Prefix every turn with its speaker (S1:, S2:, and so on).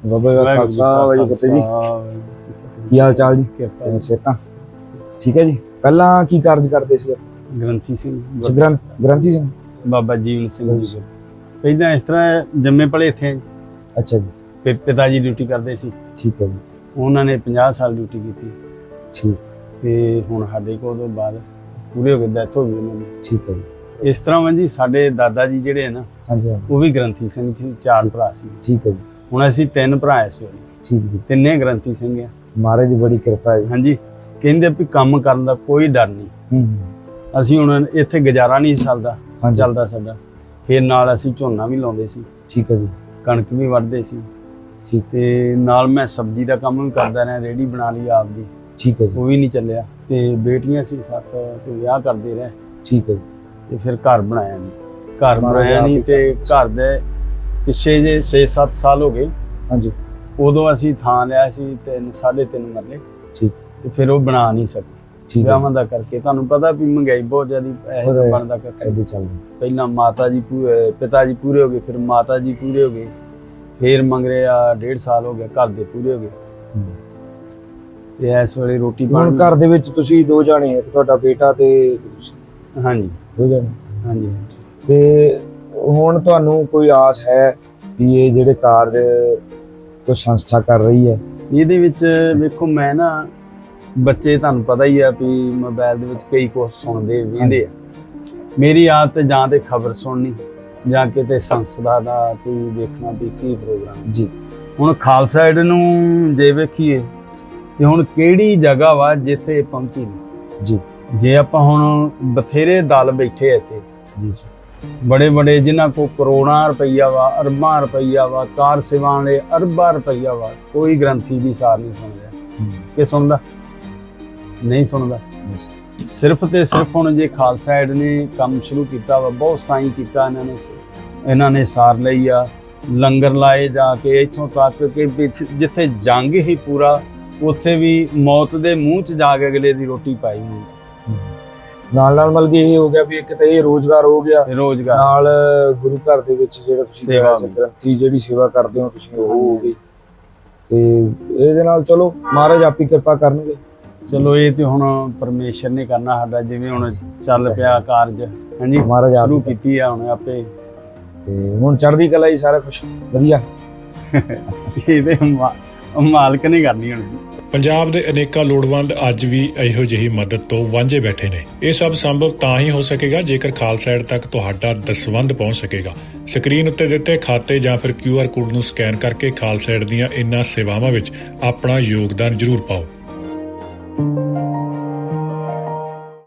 S1: ਬਾਬਾ ਜੀ ਖਾਲਸਾ ਵਾਹਿਗੁਰੂ ਫਤਿਹ ਜੀ। ਕੀ ਹਾਲ ਚਾਲ ਜੀ? ਕਿਰਪਾ ਸਿਹਤਾਂ ਠੀਕ ਹੈ ਜੀ। ਪਹਿਲਾਂ ਕੀ ਕਾਰਜ ਕਰਦੇ ਸੀ?
S2: ਗ੍ਰੰਥੀ ਸਿੰਘ
S1: ਗ੍ਰੰਥੀ ਸਿੰਘ
S2: ਬਾਬਾ ਜੀਵਨ ਸਿੰਘ ਜੀ। ਪਹਿਲਾਂ ਇਸ ਤਰ੍ਹਾਂ ਜੰਮੇ ਪਲੇ ਇੱਥੇ।
S1: ਅੱਛਾ ਜੀ।
S2: ਫਿਰ ਪਿਤਾ ਜੀ ਡਿਊਟੀ ਕਰਦੇ ਸੀ।
S1: ਠੀਕ ਹੈ ਜੀ।
S2: ਉਹਨਾਂ ਨੇ 50 ਸਾਲ ਡਿਊਟੀ ਕੀਤੀ।
S1: ਠੀਕ।
S2: ਤੇ ਹੁਣ ਸਾਡੇ ਕੋਲ ਤੋਂ ਬਾਅਦ ਪੂਰੇ ਹੋ ਗਏ, ਡੈਥ ਹੋ ਗਈ ਉਹਨਾਂ ਦੀ।
S1: ਠੀਕ ਹੈ ਜੀ।
S2: ਇਸ ਤਰ੍ਹਾਂ ਵਾ ਜੀ, ਸਾਡੇ ਦਾਦਾ ਜੀ ਜਿਹੜੇ ਆ ਨਾ,
S1: ਹਾਂਜੀ
S2: ਉਹ ਵੀ ਗ੍ਰੰਥੀ ਸਿੰਘ ਸੀ। 4 ਭਰਾ ਸੀ।
S1: ਠੀਕ ਹੈ ਜੀ।
S2: ਹੁਣ ਅਸੀਂ 3 ਭਰਾ ਇਸ ਵੇਲੇ।
S1: ਠੀਕ ਜੀ।
S2: ਤਿੰਨੇ ਗ੍ਰੰਥੀ ਸਿੰਘ ਆ।
S1: ਮਹਾਰਾਜ ਦੀ ਬੜੀ ਕਿਰਪਾ ਹੈ।
S2: ਹਾਂਜੀ, ਕਹਿੰਦੇ ਵੀ ਕੰਮ ਕਰਨ ਦਾ ਕੋਈ ਡਰ ਨਹੀਂ। ਅਸੀਂ ਹੁਣ ਇੱਥੇ ਗੁਜ਼ਾਰਾ ਨਹੀਂ ਚੱਲਦਾ ਸਾਡਾ। ਫਿਰ ਨਾਲ ਅਸੀਂ ਝੋਨਾ ਵੀ ਲਾਉਂਦੇ ਸੀ।
S1: ਠੀਕ ਹੈ ਜੀ।
S2: ਕਣਕ ਵੀ ਵੱਢਦੇ ਸੀ।
S1: ਠੀਕ।
S2: ਤੇ ਨਾਲ ਮੈਂ ਸਬਜ਼ੀ ਦਾ ਕੰਮ ਵੀ ਕਰਦਾ ਰਿਹਾ, ਰੇਹੜੀ ਬਣਾ ਲਈ ਆਪਦੀ।
S1: ਠੀਕ ਹੈ ਜੀ।
S2: ਉਹ ਵੀ ਨਹੀਂ ਚੱਲਿਆ। ਤੇ ਬੇਟੀਆਂ ਸੀ 7 ਤੇ ਵਿਆਹ ਕਰਦੇ ਰਹੇ।
S1: ਠੀਕ ਹੈ ਜੀ।
S2: ਤੇ ਫਿਰ ਘਰ ਬਣਾਇਆ ਨਹੀਂ ਤੇ ਘਰ ਦੇ ਪਿੱਛੇ ਜੇ 6-7 ਸਾਲ ਹੋ ਗਏ। ਹਾਂਜੀ। ਉਦੋਂ ਅਸੀਂ ਥਾਂ ਲਿਆ ਸੀ 3.5 ਮਰਲੇ। ਠੀਕ। ਤੇ ਫਿਰ ਉਹ ਬਣਾ ਨਹੀਂ ਸਕੇ ਵਿਆਹਾਂ ਦਾ ਕਰਕੇ। ਤੁਹਾਨੂੰ ਪਤਾ ਵੀ ਮਹਿੰਗਾਈ ਬਹੁਤ ਜ਼ਿਆਦਾ ਪੈਸੇ ਬਣਦਾ ਕਰਕੇ ਪਹਿਲਾਂ ਪਿਤਾ ਜੀ ਪੂਰੇ ਹੋ ਗਏ, ਫਿਰ ਮਾਤਾ ਜੀ ਪੂਰੇ ਹੋ ਗਏ, ਫਿਰ ਮੰਗ ਰਹੇ ਆ 1.5 ਸਾਲ ਹੋ ਗਿਆ, ਘਰ ਦੇ ਪੂਰੇ ਹੋ ਗਏ। ਤੇ ਇਸ ਵੇਲੇ ਰੋਟੀ
S1: ਹੁਣ ਘਰ ਦੇ ਵਿੱਚ ਤੁਸੀਂ 2 ਜਾਣੇ, ਇੱਕ ਤੁਹਾਡਾ ਬੇਟਾ ਤੇ ਤੁਸੀਂ?
S2: ਹਾਂਜੀ,
S1: 2 ਜਾਣੇ।
S2: ਹਾਂਜੀ।
S1: ਤੇ ਹੁਣ ਤੁਹਾਨੂੰ ਕੋਈ ਆਸ ਹੈ ਵੀ ਇਹ ਜਿਹੜੇ ਕਾਰਜ ਕੋਈ ਸੰਸਥਾ ਕਰ ਰਹੀ ਹੈ
S2: ਇਹਦੇ ਵਿੱਚ? ਵੇਖੋ, ਮੈਂ ਨਾ ਬੱਚੇ ਤੁਹਾਨੂੰ ਪਤਾ ਹੀ ਆ ਵੀ ਮੋਬਾਈਲ ਦੇ ਵਿੱਚ ਕਈ ਕੁਛ ਸੁਣਦੇ ਵੇਖਦੇ ਆ। ਮੇਰੀ ਆਦਤ ਜਾਂ ਤੇ ਖਬਰ ਸੁਣਨੀ ਜਾਂ ਕਿਤੇ ਸੰਸਥਾ ਦਾ ਕੋਈ ਵੇਖਣਾ ਵੀ ਕੀ ਪ੍ਰੋਗਰਾਮ ਜੀ। ਹੁਣ ਖਾਲਸਾ ਏਡ ਨੂੰ ਜੇ ਵੇਖੀਏ ਤੇ ਹੁਣ ਕਿਹੜੀ ਜਗ੍ਹਾ ਵਾ ਜਿੱਥੇ ਪਹੁੰਚੀ ਨਹੀਂ ਜੀ। ਜੇ ਆਪਾਂ ਹੁਣ ਬਥੇਰੇ ਦਲ ਬੈਠੇ ਇੱਥੇ ਜੀ, ਬੜੇ ਜਿਨ੍ਹਾਂ ਕੋਲ ਕਰੋੜਾਂ ਰੁਪਈਆ ਵਾ, ਅਰਬਾਂ ਰੁਪਈਆ ਵਾ, ਕਾਰ ਸੇਵਾਵਾਂ ਲਈ ਅਰਬਾਂ ਰੁਪਈਆ ਵਾ, ਕੋਈ ਗ੍ਰੰਥੀ ਦੀ ਸਾਰ ਨਹੀਂ ਸੁਣ ਰਿਹਾ। ਕਿ ਸੁਣਦਾ ਨਹੀਂ ਸੁਣਦਾ। ਸਿਰਫ ਤੇ ਸਿਰਫ ਹੁਣ ਜੇ ਖਾਲਸਾ ਏਡ ਨੇ ਕੰਮ ਸ਼ੁਰੂ ਕੀਤਾ ਵਾ, ਬਹੁਤ ਸਾਈਂ ਕੀਤਾ ਇਹਨਾਂ ਨੇ ਸਾਰ ਲਈ ਆ, ਲੰਗਰ ਲਾਏ ਜਾ ਕੇ ਇੱਥੋਂ ਤੱਕ ਕਿ ਜਿੱਥੇ ਜੰਗ ਹੀ ਪੂਰਾ, ਉੱਥੇ ਵੀ ਮੌਤ ਦੇ ਮੂੰਹ 'ਚ ਜਾ ਕੇ ਅਗਲੇ ਦੀ ਰੋਟੀ ਪਾਈ ਹੋਈ।
S1: ਨਾਲ ਮਤਲਬ ਕਿ ਇਹ ਹੋ ਗਿਆ ਵੀ ਇੱਕ ਤਾਂ ਇਹ ਰੋਜ਼ਗਾਰ ਹੋ ਗਿਆ, ਨਾਲ ਗੁਰੂ ਘਰ ਦੇ ਵਿੱਚ ਜਿਹੜਾ ਤੁਸੀਂ ਗ੍ਰੰਥੀ ਜਿਹੜੀ ਸੇਵਾ ਕਰਦੇ ਹੋ ਤੁਸੀਂ ਉਹ ਹੋ ਗਈ। ਤੇ ਇਹਦੇ ਨਾਲ ਚਲੋ ਮਹਾਰਾਜ ਆਪੀ ਕਿਰਪਾ ਕਰਨਗੇ।
S2: ਚਲੋ ਇਹ ਤੇ ਹੁਣ ਪਰਮੇਸ਼ਰ ਨੇ ਕਰਨਾ ਸਾਡਾ, ਜਿਵੇਂ ਹੁਣ ਚੱਲ ਪਿਆ ਕਾਰਜ। ਹਾਂਜੀ,
S1: ਮਹਾਰਾਜ
S2: ਸ਼ੁਰੂ ਕੀਤੀ ਆ ਹੁਣ ਆਪੇ।
S1: ਤੇ ਹੁਣ ਚੜ੍ਹਦੀ ਕਲਾ ਹੀ ਸਾਰਾ ਕੁਝ ਵਧੀਆ।
S2: ਇਹ ਤੇ ਮਾਲਕ ਨੇ ਕਰਨੀ ਹੁਣ।
S3: ਪੰਜਾਬ ਦੇ ਅਨੇਕਾਂ ਲੋੜਵੰਦ ਅੱਜ ਵੀ ਇਹੋ ਜਿਹੀ ਮਦਦ ਤੋਂ ਵਾਂਝੇ ਬੈਠੇ ਨੇ। ਇਹ ਸਭ ਸੰਭਵ ਤਾਂ ਹੀ ਹੋ ਸਕੇਗਾ ਜੇਕਰ ਖਾਲਸਾ ਏਡ ਤੱਕ ਤੁਹਾਡਾ ਦਸਵੰਧ ਪਹੁੰਚ ਸਕੇਗਾ। ਸਕਰੀਨ ਉੱਤੇ ਦਿੱਤੇ ਖਾਤੇ ਜਾਂ ਫਿਰ QR ਕੋਡ ਨੂੰ ਸਕੈਨ ਕਰਕੇ ਖਾਲਸਾ ਏਡ ਦੀਆਂ ਇਨ੍ਹਾਂ ਸੇਵਾਵਾਂ ਵਿੱਚ ਆਪਣਾ ਯੋਗਦਾਨ ਜ਼ਰੂਰ ਪਾਓ।